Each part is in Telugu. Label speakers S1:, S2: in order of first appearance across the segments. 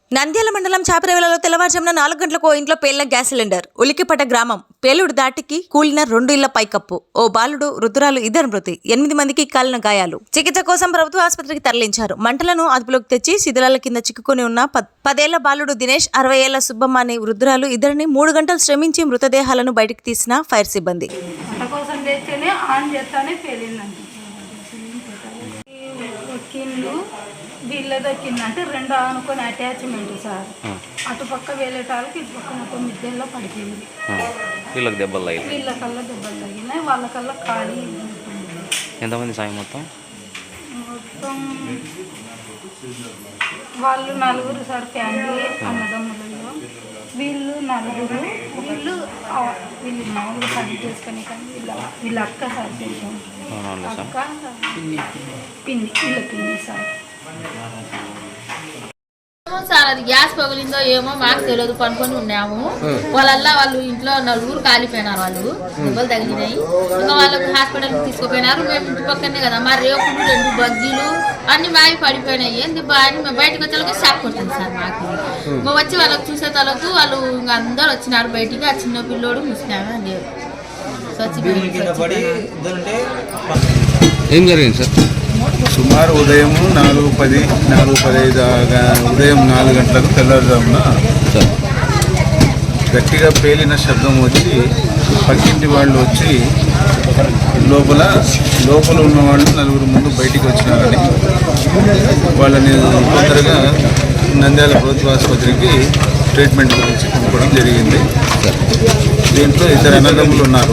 S1: నంద్యాల మండలం చాపరేవలలో తెల్లవారుజామున 4 గంటలకు ఇంట్లో పేలిన గ్యాస్ సిలిండర్. ఉలికిపట గ్రామం. పేలుడు దాటికి కూలిన 2 ఇళ్ల పైకప్పు. ఓ బాలుడు, వృద్ధురాలు 2 మృతి. 8 మందికి కాలిన గాయాలు. చికిత్స కోసం ప్రభుత్వ ఆసుపత్రికి తరలించారు. మంటలను అదుపులోకి తెచ్చి శిథిలాల కింద చిక్కుకొని ఉన్న 10 ఏళ్ల బాలుడు దినేష్, 60 ఏళ్ల సుబ్బమ్మ అనే వృద్ధురాలు ఇద్దరిని 3 గంటలు శ్రమించి మృతదేహాలను బయటకు తీసిన ఫైర్ సిబ్బంది.
S2: వీళ్ళది వచ్చిందంటే 2 అనుకుని అటాచ్మెంట్ సార్. అటుపక్క వెళ్ళేటానికి ఇటుపక్క మొత్తం మిద్దెల్లో పడిపోయింది.
S3: వీళ్ళకల్లా దెబ్బలు
S2: తగిలినాయి, వాళ్ళకల్లా ఖాళీ.
S3: ఎంతమంది సాయం మొత్తం
S2: వాళ్ళు 4 సార్ ఫ్యామిలీ అన్నదమ్ములలో. వీళ్ళు 4, వీళ్ళు మామూలుగా పని చేసుకొని కానీ వీళ్ళ అక్క సార్ చేసాం. అక్క పిన్ని వీళ్ళ పిన్ని సార్.
S4: సార్ అది గ్యాస్ పగిలిందో ఏమో మాకు తెలియదు, పనుకొని ఉన్నాము. వాళ్ళు ఇంట్లో 4 కాలిపోయినారు, వాళ్ళు దెబ్బలు తగిలినాయి. ఇంకా వాళ్ళకి హాస్పిటల్కి తీసుకుపోయినారు. మేము ఇంటి పక్కనే కదా, మా రేకులు 2 బగ్గీలు అన్ని మావి పడిపోయినాయి. ఏంది అని మేము బయటకు వచ్చేలాగా షాక్ కొట్టింది సార్ మాకు. మేము వచ్చి వాళ్ళకి చూసే తలతో వాళ్ళు ఇంకా అందరు వచ్చినారు బయటికి. ఆ చిన్న పిల్లోడు ముసినాము అని
S3: ఏం జరిగింది సార్?
S5: సుమారు ఉదయం 4:10, 4:15 ఉదయం 4 గంటలకు తెల్లవారుజామున గట్టిగా పేలిన శబ్దం వచ్చి పక్కింటి వాళ్ళు వచ్చి లోపల ఉన్న వాళ్ళు 4 ముందు బయటికి వచ్చినారని వాళ్ళని తొందరగా నంద్యాల ప్రభుత్వ ఆసుపత్రికి ట్రీట్మెంట్ గురించి పంపడం జరిగింది. దీంట్లో 2 అన్నదమ్ములు ఉన్నారు.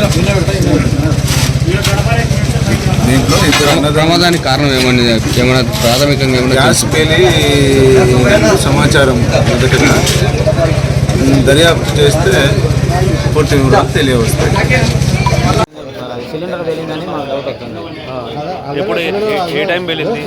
S3: ప్రమాదానికి కారణం ఏమైనా ప్రాథమికంగా
S5: గ్యాస్ పేలి సమాచారం మొదటగా దర్యాప్తు చేస్తే పూర్తి వివరాలు తెలియవస్తాయి.
S6: సిలిండర్ పేలిందని మాకు డౌట్ వచ్చింది.
S3: ఎప్పుడు ఏ టైం పేలింది?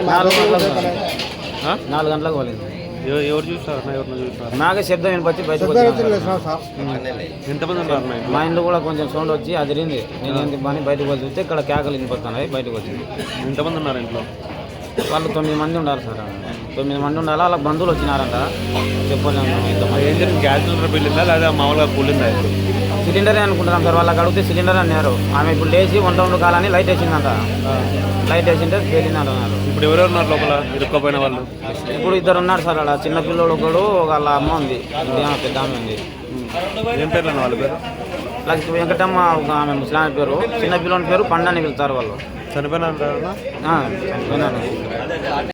S6: 4 గంటలకు పోలింది.
S3: ఎవరు చూస్తారు?
S6: నాకే శబ్దం వినిపించి బయటకు వచ్చి
S3: ఎంతమంది ఉన్నారు?
S6: మా ఇంట్లో కూడా కొంచెం సౌండ్ వచ్చి అదిరింది. నేను ఏంటి పని బయటకు వచ్చి చూస్తే ఇక్కడ కేకలు వినిపిస్తున్నాయి. బయటకు వచ్చింది.
S3: ఎంతమంది ఉన్నారు ఇంట్లో?
S6: వాళ్ళు 9 మంది ఉండాలి సార్. 9 మంది ఉండాలి. వాళ్ళకి బంధువులు వచ్చినారంట. చెప్పలేము ఎంతమంది.
S3: ఏం జరిగింది? గ్యాస్ సిలిండర్ పేలిందా లేదా మామూలుగా కూలిందా?
S6: సిలిండరే అనుకుంటున్నాం సార్. వాళ్ళకి అడిగితే సిలిండర్ అన్నారు. ఆమె ఇప్పుడు లేచి 1 కాలని లైట్ వేసిందంట. లైట్ వేసింటే పేలింది అన్నారు.
S3: ఇప్పుడు ఎవరెవరు ఉన్నారు లోపల ఇరుక్కపోయిన వాళ్ళు?
S6: ఇప్పుడు 2 ఉన్నారు సార్. అలా చిన్న పిల్లలు ఒకడు, వాళ్ళ అమ్మ ఉంది, పెద్ద ఆమె ఉంది.
S3: ఏం పేర్లు అన్న వాళ్ళ పేరు?
S6: లక్ష్మి వెంకటమ్మ ఒక ఆమె ముస్లాం పేరు. చిన్న పిల్లని పేరు పండు అని పిలుస్తారు వాళ్ళు.
S3: చనిపోయినా?
S6: చనిపోయినాను.